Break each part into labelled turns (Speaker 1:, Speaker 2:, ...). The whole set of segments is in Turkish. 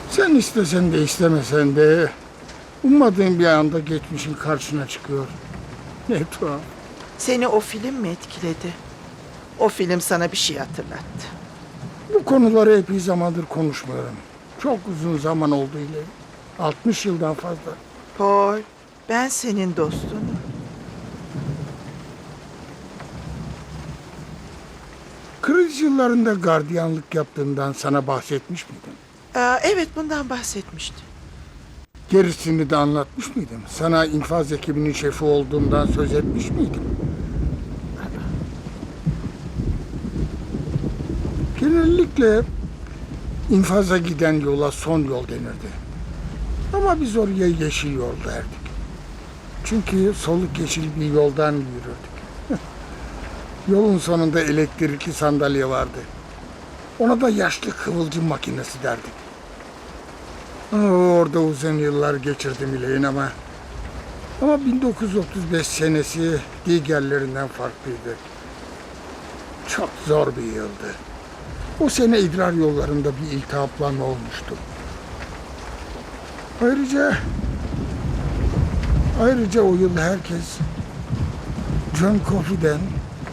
Speaker 1: Sen istesen de istemesen de ummadığın bir anda geçmişin karşına çıkıyor. Ne tuhaf.
Speaker 2: Seni o film mi etkiledi? O film sana bir şey hatırlattı.
Speaker 1: Bu konuları epey zamandır konuşmuyorum. Çok uzun zaman oldu ileri. 60 yıldan fazla.
Speaker 2: Paul, ben senin dostunum.
Speaker 1: Kriz yıllarında gardiyanlık yaptığından sana bahsetmiş miydim?
Speaker 2: Evet, bundan bahsetmişti.
Speaker 1: Gerisini de anlatmış mıydım? Sana infaz ekibinin şefi olduğumdan söz etmiş miydim? Genellikle infaza giden yola son yol denirdi. Ama biz oraya yeşil yol derdik. Çünkü soluk yeşil bir yoldan yürürdük. Yolun sonunda elektrikli sandalye vardı. Ona da yaşlı kıvılcım makinesi derdik. Orada uzun yıllar geçirdim ileyin ama 1935 senesi diğerlerinden farklıydı. Çok zor bir yıldı. O sene idrar yollarında bir iltihaplanma olmuştu. Ayrıca o yıl herkes John Coffey'den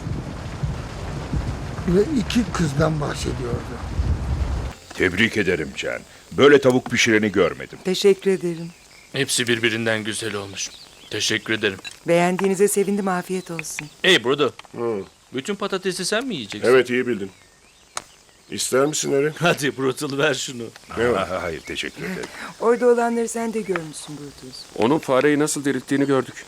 Speaker 1: ve 2 kızdan bahsediyordu.
Speaker 3: Tebrik ederim Can. Böyle tavuk pişireni görmedim.
Speaker 4: Teşekkür ederim.
Speaker 5: Hepsi birbirinden güzel olmuş. Teşekkür ederim.
Speaker 4: Beğendiğinize sevindim, afiyet olsun.
Speaker 5: Hey Brodo. Bütün patatesi sen mi yiyeceksin?
Speaker 6: Evet, iyi bildin. İster misin Harry?
Speaker 5: Hadi Brutal ver şunu.
Speaker 6: Ne var?
Speaker 3: Hayır, teşekkür ederim.
Speaker 4: Orada olanları sen de görmüşsün Brutus.
Speaker 7: Onun fareyi nasıl dirilttiğini gördük.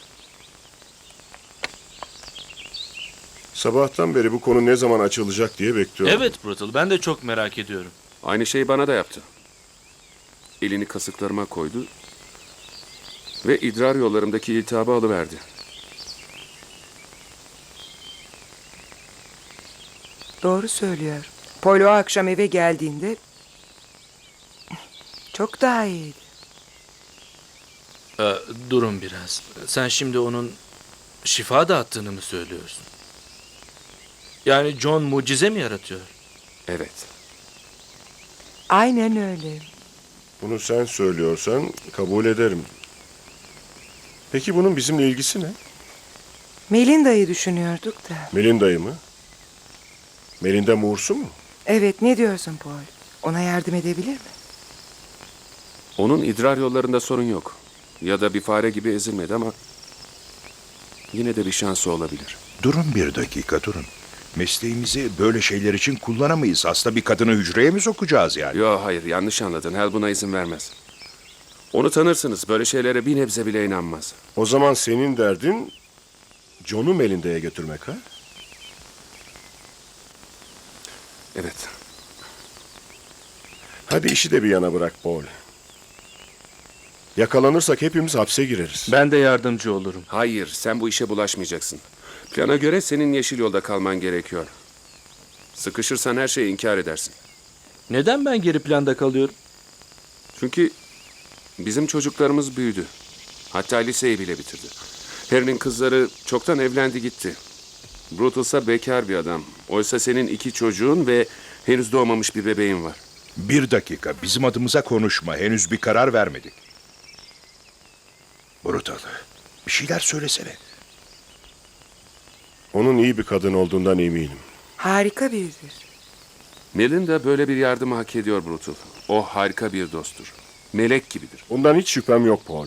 Speaker 6: Sabahtan beri bu konu ne zaman açılacak diye bekliyorum.
Speaker 5: Evet Brutal, ben de çok merak ediyorum.
Speaker 7: Aynı şeyi bana da yaptı. Elini kasıklarıma koydu ve idrar yollarımdaki iltihabı alıverdi.
Speaker 4: Doğru söylüyor. Paul o akşam eve geldiğinde çok daha iyiydi.
Speaker 5: Durun biraz. Sen şimdi onun şifa dağıttığını mı söylüyorsun? Yani John mucize mi yaratıyor?
Speaker 7: Evet.
Speaker 4: Aynen öyle.
Speaker 6: Bunu sen söylüyorsan kabul ederim. Peki bunun bizimle ilgisi ne?
Speaker 4: Melinda'yı düşünüyorduk da.
Speaker 6: Melinda'yı mı? Melinda Moore'su mu?
Speaker 4: Evet, ne diyorsun Paul? Ona yardım edebilir mi?
Speaker 7: Onun idrar yollarında sorun yok. Ya da bir fare gibi ezilmedi ama yine de bir şansı olabilir.
Speaker 3: Durun bir dakika, durun. Mesleğimizi böyle şeyler için kullanamayız. Hasta bir kadını hücreye mi sokacağız yani?
Speaker 7: Yo hayır, yanlış anladın. Hal buna izin vermez. Onu tanırsınız. Böyle şeylere bir nebze bile inanmaz.
Speaker 6: O zaman senin derdin John'u Melinda'ya götürmek ha?
Speaker 7: Evet.
Speaker 6: Hadi işi de bir yana bırak Paul. Yakalanırsak hepimiz hapse gireriz.
Speaker 5: Ben de yardımcı olurum.
Speaker 7: Hayır, sen bu işe bulaşmayacaksın. Plana göre senin yeşil yolda kalman gerekiyor. Sıkışırsan her şeyi inkar edersin.
Speaker 5: Neden ben geri planda kalıyorum?
Speaker 7: Çünkü bizim çocuklarımız büyüdü. Hatta liseyi bile bitirdi. Harry'nin kızları çoktan evlendi gitti. Brutus'a bekar bir adam. Oysa senin 2 çocuğun ve henüz doğmamış bir bebeğin var.
Speaker 3: Bir dakika, bizim adımıza konuşma. Henüz bir karar vermedik. Brutal, bir şeyler söylesene.
Speaker 6: Onun iyi bir kadın olduğundan eminim.
Speaker 4: Harika biridir.
Speaker 7: Melinda böyle bir yardımı hak ediyor Brutus. O harika bir dosttur. Melek gibidir.
Speaker 6: Bundan hiç şüphem yok Paul.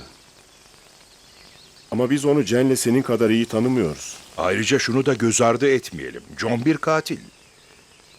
Speaker 6: Ama biz onu Jen'le senin kadar iyi tanımıyoruz.
Speaker 3: Ayrıca şunu da göz ardı etmeyelim. John bir katil.